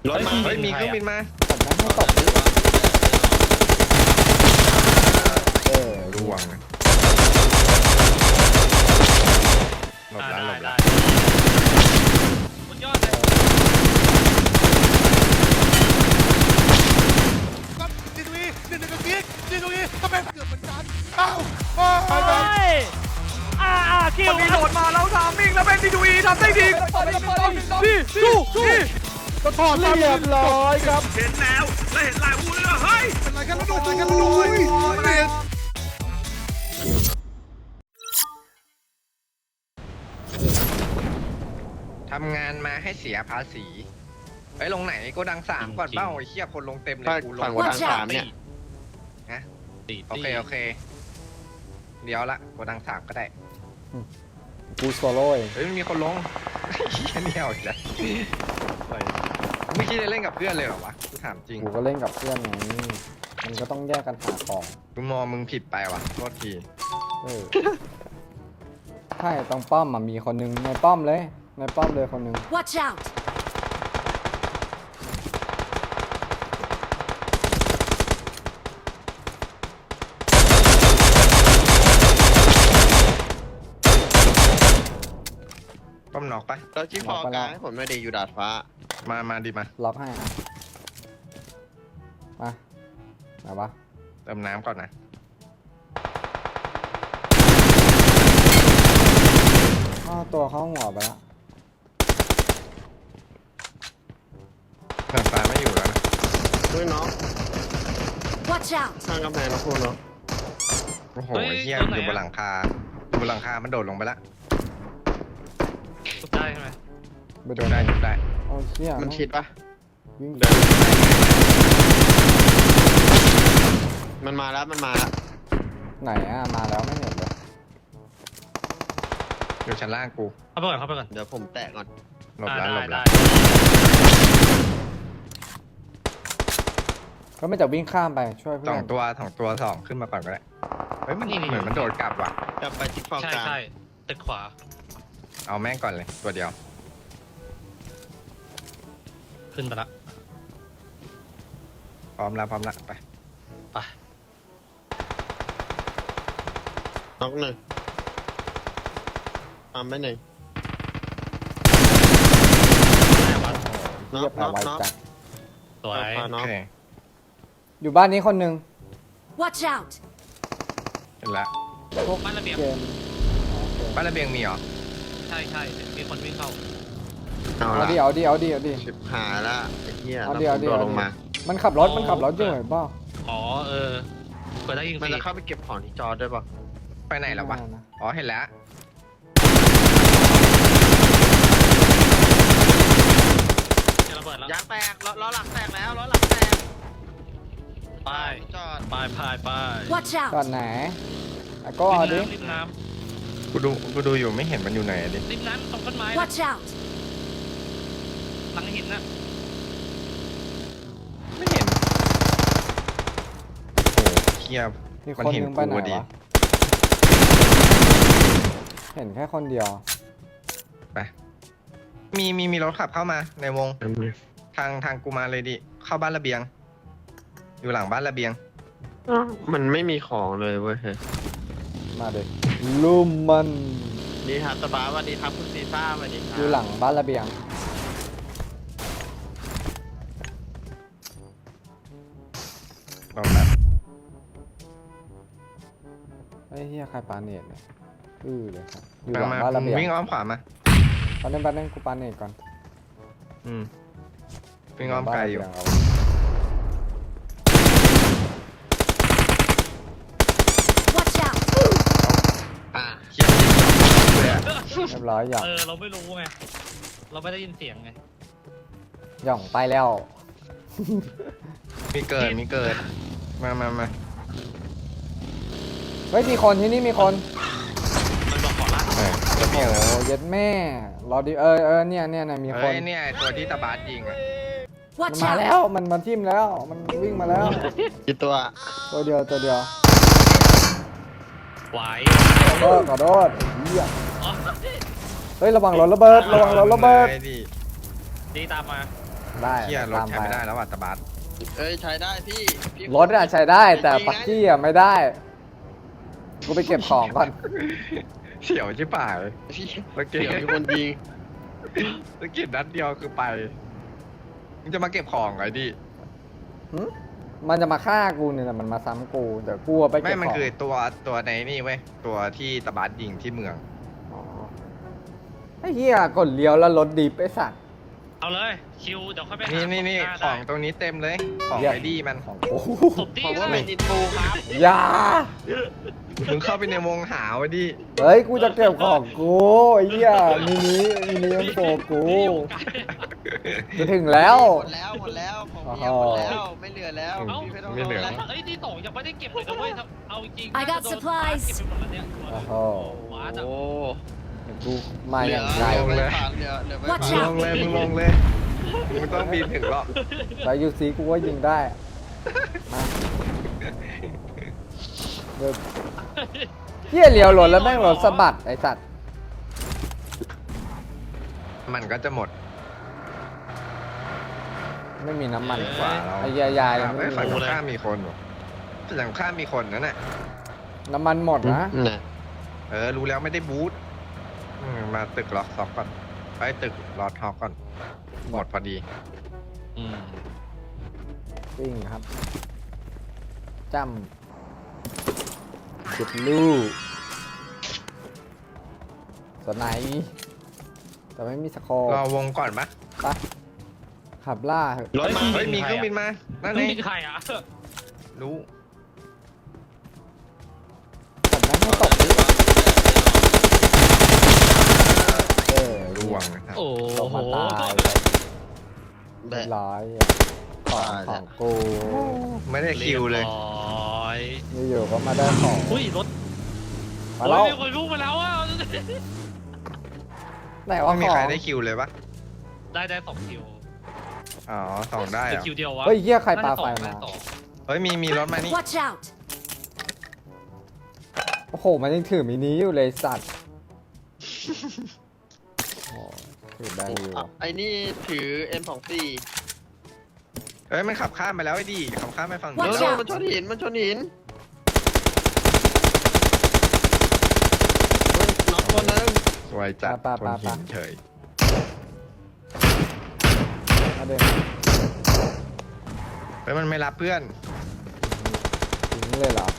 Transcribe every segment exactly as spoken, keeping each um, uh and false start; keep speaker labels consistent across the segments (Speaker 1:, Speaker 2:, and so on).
Speaker 1: รถมา
Speaker 2: เฮ้ยมีเครื่องบินมา
Speaker 3: ผมไม่ให้ตกเออ
Speaker 2: ดวงนะหลบร้านหลบร้าน
Speaker 4: บนยอดเลย
Speaker 5: ดีตรงนี้ดีตรงนี้ดีตรงนี้ทำไมเกิดเหมือนกันเอ้าไปไป
Speaker 4: อ่าอ่าคิว
Speaker 5: มันมีโหลดมาแล้วทามมิ่งแล้วเป็นดีดูอีทำได้ดีดีสู้สู้ก็ถอดมา
Speaker 3: เรียบร้อยครับ
Speaker 5: เห็นแล้วและเห็นลายวูเลยเฮ้ยเป็นไรกันแล้วดูเป็นไรกันแล้วดู
Speaker 2: ทำงานมาให้เสียภาษีไปลงไหนโกดังสามก่อนเบ้าไอ้เหี้ยคนลงเต็มเลยกูล
Speaker 1: ฝั่ง
Speaker 2: ง
Speaker 1: โกดังสามเนี่ย
Speaker 2: นะ
Speaker 4: ตี
Speaker 2: โอเคโอเคเดี๋ยวละโกดังสามก็ได้
Speaker 3: กูโซโล่เอง
Speaker 2: เฮ้ยมันมีคนลงเหี้ยเนี่ยอีกแล้วไม่คิดจะเล่นกับเพื่อนเลยเหรอวะกูถามจริง
Speaker 3: กูก็เล่นกับเพื่อนไงมันก็ต้องแยกกันหาของ
Speaker 2: กูมองมึงผิดไปว่ะโทษที
Speaker 3: เออใช่ตรงป้อมมันมีคนหนึงในป้อมเลยในป้อมเลยคนหนึง
Speaker 6: Watch out!
Speaker 2: ป้อมนอกปะ
Speaker 1: แล้วที่ฟอกลางให้ผมไม่ได้อยู่ดาดฟ้า
Speaker 2: มามาดิมา
Speaker 3: ล็อกให้อะมาไหนวะ
Speaker 2: เติมน้ำก่อนนะ
Speaker 3: อ้าวตัวเขาหัวไปแล้ว
Speaker 2: เติมฟ้าไม่อยู่แล้วนะ
Speaker 1: ด้วยน้อง
Speaker 6: Watch out!
Speaker 1: ข้างกำแพงนะคุณเนาะ
Speaker 2: โอ้โหเหี้ยอยู่บนหลังคาอยู่บนหลังคามันโดดลงไปละ
Speaker 4: สุดได้ใช่ไหม
Speaker 3: ไปโด
Speaker 2: จุ
Speaker 3: น
Speaker 2: ดได้จุดได้
Speaker 3: โอ้เชี่ย
Speaker 1: มันชิดปะ
Speaker 3: วิ่ง
Speaker 1: เดินมันมาแล้วมันมาแล้ว
Speaker 3: ไหนอ่ะมาแล้วไม่เห็นเลย
Speaker 2: อยู่ชั้นล่างกู
Speaker 4: เข้าไปก่อนเข้าไปก่อน
Speaker 1: เดี๋ยวผมแตะก่อน
Speaker 2: หลบร้านหลบร้าน
Speaker 3: ก็ไม่จะวิ่งข้ามไปช่วยเพื่
Speaker 2: ส
Speaker 3: อ
Speaker 2: อง
Speaker 3: น
Speaker 2: ตัวสองตัวสองขึ้นมาก่อนก็ได้เฮ้ยมันเหมือนมันโดดกลับว่ะ
Speaker 1: กลับไปที่ฟอก
Speaker 4: ใช่
Speaker 1: กลาง
Speaker 4: ใช่ตึกขวา
Speaker 2: เอาแม่งก่อนเลยตัวเดียว
Speaker 4: ขึ้นไปละ
Speaker 2: พร้อมแล้วพร้อมแล้วไป
Speaker 4: ไป
Speaker 1: น็อกหนึ่งทำไปหนึ่ง
Speaker 4: แม่วัด
Speaker 3: เรียบร้อยจัด
Speaker 4: สวย
Speaker 1: พา
Speaker 2: โอ
Speaker 1: น้อง
Speaker 2: เค
Speaker 3: อยู่บ้านนี้คนหนึ่ง
Speaker 6: Watch out!
Speaker 2: เห็นละ
Speaker 3: พวก
Speaker 4: บ้านระเบียง
Speaker 3: เกม
Speaker 2: บ้านระเบียงมีเหรอ
Speaker 4: ใช่ใช่มีคนวิ่งเข้า
Speaker 1: เอา
Speaker 3: เอา
Speaker 1: ละ
Speaker 3: ดิเอาดิเอาดิเอาดิ
Speaker 1: ชิบหายละไอ้เหี้ย
Speaker 3: เอา
Speaker 1: เรา
Speaker 3: ดิเอาดิ
Speaker 1: โดด
Speaker 3: เอา
Speaker 1: ล
Speaker 3: ดิ
Speaker 1: งมา
Speaker 3: มันขับรถมันขับรถอยู่เหรอเปล่า
Speaker 4: อ๋อเออเปิดได้ยิงฟ
Speaker 1: มัน
Speaker 4: รี
Speaker 1: จะเข้าไปเก็บของที่จอด้วยปะ
Speaker 2: ไปไหนแล้ววะอ๋อเห็นแล้ว
Speaker 4: จะระเบิดแล้ว
Speaker 1: ยางแตกล้อล้อหลังแตกแล้วล้อหลังแตก
Speaker 4: ไป
Speaker 1: จอด
Speaker 4: ไปไปไป
Speaker 6: Watch
Speaker 3: ก่อ
Speaker 6: out!
Speaker 3: นไหนอ่ะก็เอาดิ
Speaker 4: ริมน้
Speaker 2: กูดูกูดูอยู่ไม่เห็นมันอยู่ไหนอะดิ
Speaker 4: ำริมน้ำตรงต้นไม้นะ
Speaker 6: Watch out!
Speaker 4: หลังหินนะ
Speaker 2: ไม่เห็นโอ้โหเทียบ
Speaker 3: มีค
Speaker 2: มัน
Speaker 3: น
Speaker 2: เห็
Speaker 3: ห
Speaker 2: น
Speaker 3: นึงไปไหน
Speaker 2: กูอะดิ
Speaker 3: วะเห็นแค่คนเดียว
Speaker 2: ไปมีมีมีรถขับเข้ามาในวงทางทางกูมาเลยดิเข้าบ้านระเบียง อยู่หลังบ้านระเบียง
Speaker 1: มันไม่มีของเลยเว้ย
Speaker 3: มาเด็กลุ่มมัน
Speaker 1: นี่ครับสบายวันนี้ครับคุณซีซ่าวันนี้ครับ
Speaker 3: อยู่หลังบ้านระเบียง
Speaker 2: ลองแบบ
Speaker 3: ไอ้เฮียใครปาเนตเนี่ยอือเลยครับอยู่ห
Speaker 2: มา
Speaker 3: ลัง
Speaker 2: มา
Speaker 3: บ้านระเบียง
Speaker 2: วิ่งอ้อมขวามา
Speaker 3: ตอนนี้บ้านนึงกูปาเนตก่อน
Speaker 2: อืมวิ่งอ้อมไกลอยู่
Speaker 3: บ้านระเบีงเา
Speaker 6: Watch out!
Speaker 1: อ่ะ
Speaker 2: เทียบเลยอะ
Speaker 3: เรียบร้อยหย่อง
Speaker 4: เออเราไม่รู้ไงเราไม่ได้ยินเสียงไง
Speaker 3: หย่องไปแล้ว
Speaker 2: มีเกิดมีเกิดมามามา
Speaker 3: เฮ้ยมีคนที่นี่มีคน
Speaker 4: มันบอกขอละ
Speaker 2: เออระเบียง
Speaker 3: โอ้เย็ดแม่รอดิเออเออเนี่ยเนี่ยเนี่ยมีค
Speaker 2: เฮ้
Speaker 3: น
Speaker 2: ยเนี่ยตัวที่ตาบาสยิงอ่ะ
Speaker 3: มัน
Speaker 6: Watch
Speaker 3: มา
Speaker 6: out!
Speaker 3: แล้วมันมันทิ่มแล้วมันวิ่งมาแล้ว
Speaker 1: กี่ตัว
Speaker 3: ตัวเดียวตัวเดียว
Speaker 4: ไหว
Speaker 3: ขอโทษขอโทษไอ้เหี้ย
Speaker 4: อ๋อ
Speaker 3: เฮ้ยระวังรถระเบิดระวังรถระเบิด
Speaker 2: ลยดิ
Speaker 4: ดีตามมา
Speaker 3: ได้
Speaker 2: เที่ยรถ
Speaker 3: ตาม
Speaker 2: ใช้
Speaker 3: ไป
Speaker 2: ไม่ได้แล้วอ่ะตะบัส
Speaker 1: เอ้ยใช้ได้พี่พี่
Speaker 3: รถอะใช้ได้แต่ปักกี้อะไม่ได้ กูไปเก็บของก่อน
Speaker 2: เฉียวชิบหาย
Speaker 1: พี่
Speaker 2: เมื่อกี้
Speaker 1: เดี๋ยวมีคนยิง
Speaker 2: เมื่อกี้นัดเดียวคือไปมึงจะมาเก็บของไงดิ
Speaker 3: หึมันจะมาฆ่ากูเนี่ยนะมันมาซ้ำกูเดี๋ยวกูเอาไปเก็บของ
Speaker 2: ไม่มันคือตัวตัวในนี่เว้ยตัวที่ตะบัสยิงที่เมือง
Speaker 3: อ๋อไอ้เหี้ยกดเลี้ยวแล้วรถดิบไอ้สัตว์
Speaker 4: เอาเลยคิวเดี๋ยวค่อยไปหา
Speaker 2: นี่นี่นี่
Speaker 4: หา
Speaker 2: ของ
Speaker 4: ได้
Speaker 2: ตรงนี้เต็มเลย ของ
Speaker 3: เยี่ยม
Speaker 2: ไอดี้มัน
Speaker 3: ของกู
Speaker 4: ตบดี
Speaker 1: ผมว่า
Speaker 4: เล
Speaker 1: เป็
Speaker 4: ย
Speaker 1: นอินฟูครับ
Speaker 3: อย่า
Speaker 2: มึงเข้าไปในวงหาไว้ดิ
Speaker 3: เฮ้ยกูจะเก็บของกูไอ้เหี้ยมินิมินิมันโปกู
Speaker 4: นี่อยู่ไกล
Speaker 3: จะถึงแล้ว
Speaker 1: หมดแล้วหมดแล้วของพี่หมดแล้วไม่เหลือแล้ว
Speaker 4: เอ้า
Speaker 1: พี่ไม่ต้อง
Speaker 2: ไม่เหลือ
Speaker 1: า
Speaker 4: แล้วเอ้ยที่สองยังไม่ได้เก็บเลยนะเว้ยเอาจริง
Speaker 6: I got
Speaker 4: น่าจะโดน
Speaker 6: supplies
Speaker 4: เก็บไปหมดแล้วเนี่ย
Speaker 3: โอ้โห
Speaker 4: ว้าจะ
Speaker 1: โอ้
Speaker 3: กูมา
Speaker 1: เห
Speaker 3: อ
Speaker 1: ลื
Speaker 3: ย่าง
Speaker 1: เห
Speaker 3: ไกล
Speaker 1: ลือไม่ผ่านเหลือเหลือไม่
Speaker 6: Watch
Speaker 1: ผ่าน
Speaker 2: มึงลงเลยมึงลงเลยมึงต้องบินถึงหรอก
Speaker 3: ไปยูซีกูก็ยิงได้มาเดินเหี้ยเลี้ยวรถแล้วแม่งรถสะบัดไอ้สัตว์
Speaker 2: มันก็จะหมด
Speaker 3: ไม่มีน้ำมัน
Speaker 2: กว่าเรา
Speaker 3: ไอ้ยายายยังไม่
Speaker 2: เอ้ย
Speaker 3: มี
Speaker 2: ฝั่งตรงข้ามมีคนเหรอฝั่งข้ามมีคนนั่นแหละ
Speaker 3: น้ำมันหมดนะ
Speaker 1: น่ะ
Speaker 2: เออรู้แล้วไม่ได้บูทอืมมาตึกล็อกซ็อกก่อนไปตึกลอดฮอกก่อนหมดพอดี
Speaker 4: อืม
Speaker 3: วิ่งครับจ้ำจุดลูกสไนป์แต่ไม่มีสกอร์
Speaker 2: รอวงก่อนปะ
Speaker 3: ปะขับล่าเหอะ
Speaker 1: รถมา
Speaker 2: เฮ้ยมีเครื่องบินมานั่น
Speaker 4: ต้อ
Speaker 2: ไง
Speaker 4: งมีใครอ่ะ
Speaker 2: รู้
Speaker 3: ขับแม่งให้ตกดิเออ
Speaker 2: ร่วงนะครับ
Speaker 4: โอ้
Speaker 3: ตก
Speaker 4: โห
Speaker 3: มาตายเรียบร้อยอะของของกู
Speaker 2: ไม่ได้คิวเลย
Speaker 4: รีบร้อย
Speaker 3: อยู่ๆก็มาได้ของ
Speaker 4: อุ้ยรถ
Speaker 3: มาแล้ว
Speaker 4: โอ้ยมีคนพุ่งมาแล้วอ่ะ
Speaker 3: ไหนว่า
Speaker 2: ไม่มี
Speaker 3: ขอ
Speaker 2: ใครง ได้คิวเลยปะ
Speaker 4: ได้ได้สองคิว
Speaker 2: อ๋อสองได้
Speaker 4: หรือ
Speaker 2: เหรอ
Speaker 4: คิวเดียววะ
Speaker 3: เฮ้ยเหี้ยใครปาไฟ
Speaker 4: น่
Speaker 3: มา
Speaker 4: จะสอง
Speaker 2: เฮ้ยมีมีรถมานี่
Speaker 6: Watch out!
Speaker 3: โอ้โห มันยังถือมินิอยู่เลยสัตว์โอ้ถือได้อยู่
Speaker 1: อ่ะไอ้นี่ถือ เอ็ม สองสี่
Speaker 2: เฮ้ยมันขับข้ามไปแล้วไอ้ดีขับข้ามไปฝั่ง
Speaker 1: โน่
Speaker 2: นู้
Speaker 6: Watch
Speaker 2: น
Speaker 6: out
Speaker 1: นมันชนหินมันชนหินเฮ้ยน็อกตัวหนึง
Speaker 2: สวยจัด
Speaker 3: ปะ
Speaker 2: คน
Speaker 3: ปะ
Speaker 2: หิ
Speaker 3: ปะ
Speaker 2: นเฉย
Speaker 3: มาเดิน
Speaker 2: เฮ้ยมันไม่รับเพื่อน
Speaker 3: ทิ้งเลยเหรอ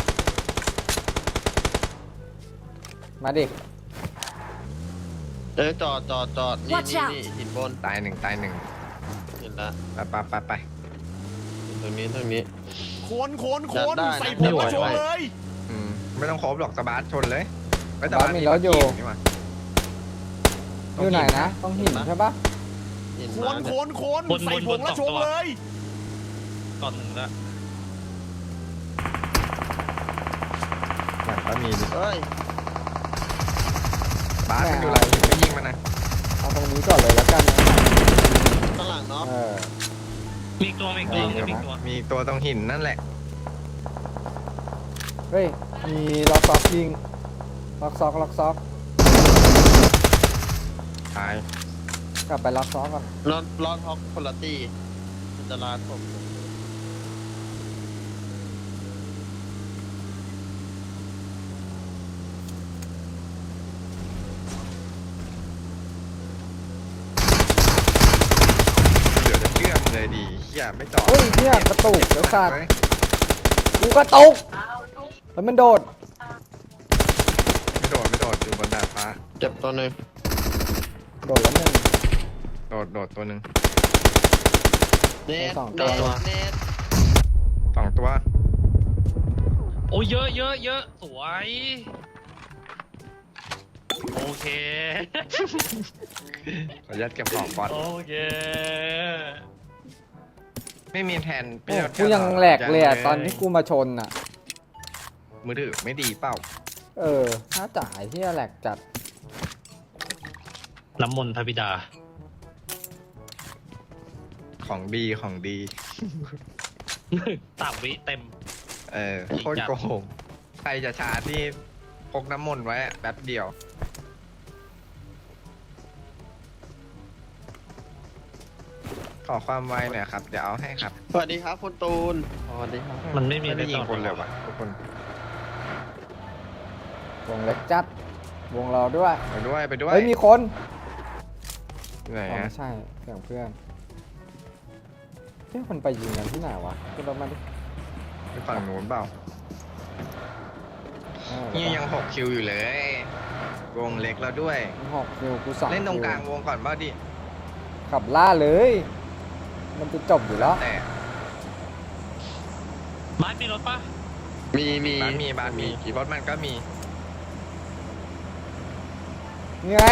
Speaker 3: มาดิ
Speaker 1: เออจอดจอดจอดนี่
Speaker 6: Watch
Speaker 1: นี่
Speaker 6: out
Speaker 1: นี่หินบน
Speaker 2: ตายหนึ่งตายหนึ่ง
Speaker 1: เห็นละ
Speaker 2: ไปไปไปไป
Speaker 1: ตรงนี้ตรงนี้
Speaker 5: โคนโคนโคน
Speaker 1: ได้ได้
Speaker 5: ใส่ผมมาโชว์เลย
Speaker 2: อืมไม่ต้องครบหรอกสบาร์ทชนเลยเฮ้ย
Speaker 3: สบาร์ทมีรถอยู่
Speaker 2: นี่หว่า
Speaker 3: อยู่ไหนนะ ต้องหินใช่ปะ
Speaker 1: หิน
Speaker 5: โค
Speaker 1: มาน
Speaker 5: โค
Speaker 1: เนี่ย
Speaker 5: นโคนใส่ผมแล้วโชว์เลย
Speaker 4: ก่อนหนึ่งละ
Speaker 2: หลังก็มีนี่
Speaker 1: เฮ้ย
Speaker 2: บาร์ทมันอยู่หลังหินไม่ยิงมันนะ
Speaker 3: เอาตรงนี้ก่อนเลยแล้วกันนะ
Speaker 1: ข้างหลังเนาะ
Speaker 3: เออ
Speaker 4: มีอีกตัวมีอีกตัวมีอีกตัว
Speaker 2: มีตัวตรงหินนั่นแหละ
Speaker 3: เฮ้ย มีล็อกซอกยิง ล็อกซอกล็อกซอก
Speaker 2: ตาย
Speaker 3: กลับไปล็อกซอกก่อน
Speaker 1: รถรถฮอกคนละตีมันจะลานผม
Speaker 2: เดี๋ยวจะเชื่อมงเลยดีเฮียไม่จอด
Speaker 3: เฮ้ยเนี่ยกระตุกเดี๋ยวสัตว์
Speaker 2: เฮ้ย
Speaker 3: กูกระตุกแล้วมันโดด
Speaker 2: ไม่โดดไม่โดดอยู่บนดาดฟ้า
Speaker 1: เจ็บตัวหนึ่ง
Speaker 3: โดดแล้วหนึ่ง
Speaker 2: โดดโดดตัวหนึ่ง
Speaker 1: เน็ต
Speaker 3: สองตั
Speaker 1: เน็
Speaker 3: ว
Speaker 1: ตเน็ต
Speaker 2: สองตัว
Speaker 4: โอ้ยเยอะเยอะเยอะสวย โอเค
Speaker 2: ขออนุญาตเก็บของก่อน
Speaker 4: โอเค
Speaker 2: ไม่มีแทน
Speaker 3: โอ้กูยังแหลกเลยอะตอนที่กูมาชนอ่ะ
Speaker 2: มือถือไม่ดีเปล่า
Speaker 3: เออถ้าจ่ายที่แหลกจัด
Speaker 4: น้ำมนต์พระบิดา
Speaker 2: ของดีของดี
Speaker 4: สามวิเต็ม
Speaker 2: เออโคตรโกงใครจะชาร์จนี่พกน้ำมนต์ไว้อะแป๊บเดียวขอความไวหน่อยครับ เดี๋ยวเอาให้ครับ
Speaker 1: สวัสดีครับคุณตูนสวัสดีครับ
Speaker 4: มันไม่มี
Speaker 2: ไม่ได้ยิง
Speaker 4: ต่อ
Speaker 2: คนเลยวะทุกคน
Speaker 3: วงเล็กจัด วงเราด้วย
Speaker 2: ไปด้วยไปด้วย
Speaker 3: เฮ้ยมีคน
Speaker 2: ไหน
Speaker 3: อ๋อ
Speaker 2: อะ
Speaker 3: ไม่ใช่เสียงเพื่อนเฮ้ยคนไปยิงกันที่ไหนวะขึ้นรถมาดิ
Speaker 2: ไปฝั่งนู้นเปล่า
Speaker 3: เออ
Speaker 2: นี่ยังหกคิวอยู่เลย วงเล็กแล้วด้วย
Speaker 3: หกคิวกูสอง
Speaker 2: เล่นตรง
Speaker 3: คิว
Speaker 2: กลางวงก่อนเปล่าดิ
Speaker 3: ขับล่าเลย มันจะจบอยู่แล้ว
Speaker 2: แต่
Speaker 4: บ้านมีรถปะ
Speaker 1: มีมี
Speaker 2: บ้านมีบ้านมีรถมันก็มี
Speaker 3: นี่ไง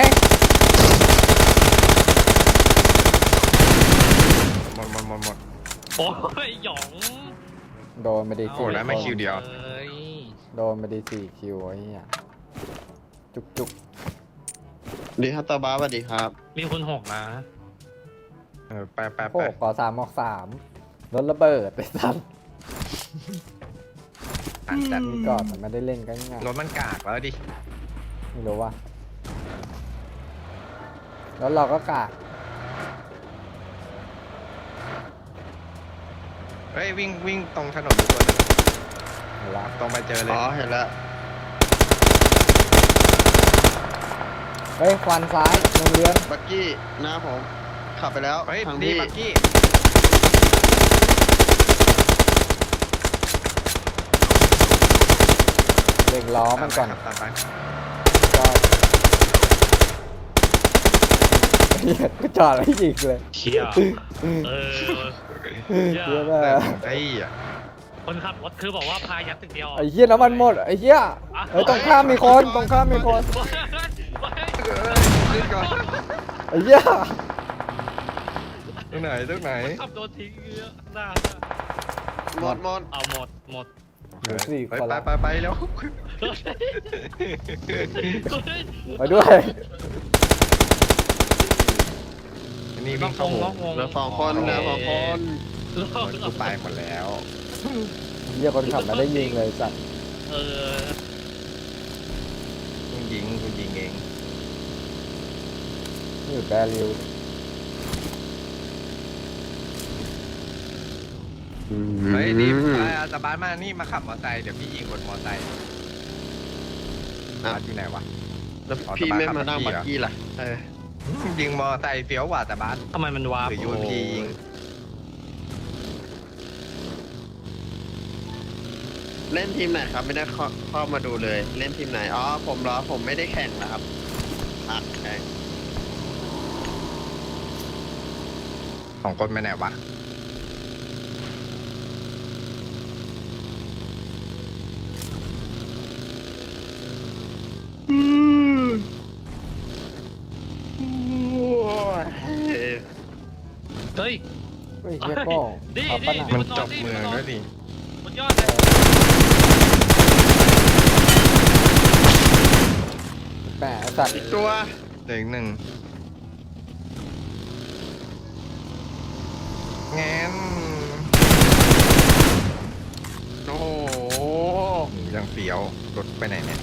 Speaker 2: หมดหมดหมดหมด
Speaker 4: โอ้ยหยอง
Speaker 3: โดนไปดี
Speaker 2: โอ้
Speaker 3: สี่
Speaker 2: แล้วไม่คิวเดียว
Speaker 4: เอ้ย
Speaker 3: โดนไปดีสี่คิวไอ้เหี้ยจุกจุก
Speaker 1: ดีครับตาบ้าสวัสดีครับ
Speaker 4: มีคุณหกนะ
Speaker 2: เออไปไป
Speaker 3: โอ้
Speaker 2: ไป
Speaker 3: ก่อสามออกสามรถระเบิดไปสัตว์
Speaker 2: อันจัด
Speaker 3: มีก่อนแต่ไม่ได้เล่นกันง่าย
Speaker 2: รถมันกากแล้วดิ
Speaker 3: ไม่รู้ว่า แล้วเราก็กะ
Speaker 2: เฮ้ยวิ่งวิ่งตรงถนนอยู่คนหนึง
Speaker 3: เห็นละ
Speaker 2: ตรงไปเจอเลย
Speaker 1: อ๋อเห็นแล้ว
Speaker 3: เฮ้ยควันซ้ายโรงเรียน
Speaker 1: บักกี้หน้าผมขับไปแล้ว
Speaker 2: เฮ้ย
Speaker 1: ทาง
Speaker 2: ดี
Speaker 1: พี่
Speaker 2: บักกี้
Speaker 3: เร่งล้อมันก่อน
Speaker 2: ตามไปครับตามไป
Speaker 3: จอดเหี้ยก็จอดแล้วยิงเลย
Speaker 4: เชี่ยเออ
Speaker 3: เหี้ย
Speaker 2: แต่
Speaker 3: แม่
Speaker 2: ผมไอ้อะ
Speaker 4: คนขับรถคือบอกว่าพายัดตึกเดียว
Speaker 3: ไอ้เหี้ยน้ำมันหมดไอ้เหี้ยเฮ้ยตรงข้ามมีคนตรงข้ามมีคน
Speaker 2: ขึ้นก่อน
Speaker 3: ไอ้เหี้ย
Speaker 2: ตรงไหนตรงไหน
Speaker 4: ขับโดนทิ้งเยอะหน้า
Speaker 1: หมดหมด
Speaker 4: เอาหมดหมด
Speaker 3: เหลือสี่
Speaker 2: ไป
Speaker 3: คน
Speaker 2: ไป
Speaker 3: ละ
Speaker 2: ไปไปแล้ว
Speaker 3: ไปด้วย
Speaker 2: อันนี่
Speaker 4: ต้
Speaker 2: วิ่
Speaker 4: อง
Speaker 2: งเข้าว
Speaker 4: ง
Speaker 2: ง
Speaker 4: ต้องวง
Speaker 1: เหลือสองคนเหลือสองคน
Speaker 2: รถกูไปหมดแล้ว
Speaker 3: เหี้ยคนขับไม่ได้ยิงเลยสัตว์
Speaker 4: เออ
Speaker 2: คุณยิงคุณยิงเอง
Speaker 3: นี่อยู่แบริว
Speaker 2: เฮ้ยดิมอาตาบานมานี่มาขับมอเตอร์ไซค์เดี๋ยวพี่ยิงบนมอเตอร์ไซค์บาสอยู่ไหนวะ
Speaker 1: แล้วพี่ไม่มานั่งบักกี้ล่ะเออ
Speaker 2: ยิงมอเตอร์ไซค์เฟี้ยวกว่าแต่บาส
Speaker 4: ทำไมมันวาร์ป
Speaker 2: หรือยูเอ็มพียิง
Speaker 1: เล่นทีมไหนครับไม่ได้เข้าเข้ามาดูเลย เล่นทีมไหนอ๋อผมเหรอผมไม่ได้แข่งนะครับพักแข่ง
Speaker 2: ของคนไปไหนวะ
Speaker 4: เฮ้ย
Speaker 3: เฮ้ยเหี้ยโก้
Speaker 4: ดิ
Speaker 3: ขับปะ
Speaker 4: ดิ
Speaker 3: น่ะ
Speaker 2: มันจบเมืองแล้วดิ
Speaker 4: บนยอดเลย
Speaker 3: แหมไอ้สัตว์
Speaker 1: อีกตัว
Speaker 2: เหลืออีกหนึ่งงั้น
Speaker 1: โอ้โห
Speaker 2: ยังเฟี้ยวรถไปไหนเนี่ย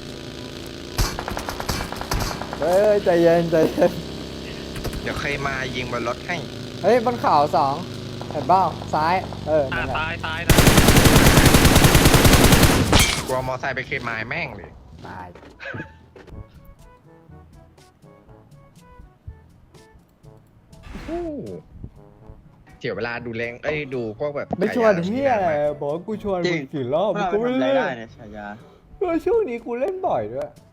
Speaker 3: เฮ้ยใจเย็นใจเย็น
Speaker 2: เดี๋ยวเคยมายิงบนรถให้
Speaker 3: เฮ้ยบนเขาสองเห็นเปล่าซ้าย เออ
Speaker 4: อ่า
Speaker 3: นั่นแหละ
Speaker 4: ตายตายนะ
Speaker 2: กลัวมอไซค์ไปเคมายแม่งเลย
Speaker 3: ตาย
Speaker 2: โอ้เสียเวลาดูแรงเอ้ยดูพวกแบบ
Speaker 3: ไม่ชวน
Speaker 2: ฉายา
Speaker 3: เฮียอะไร
Speaker 2: มาก
Speaker 3: บอกว่ากูชวนมึงกี่รอบมึงก็ไม่เล่นเออช่วงนี้กูเล่นบ่อยด้วย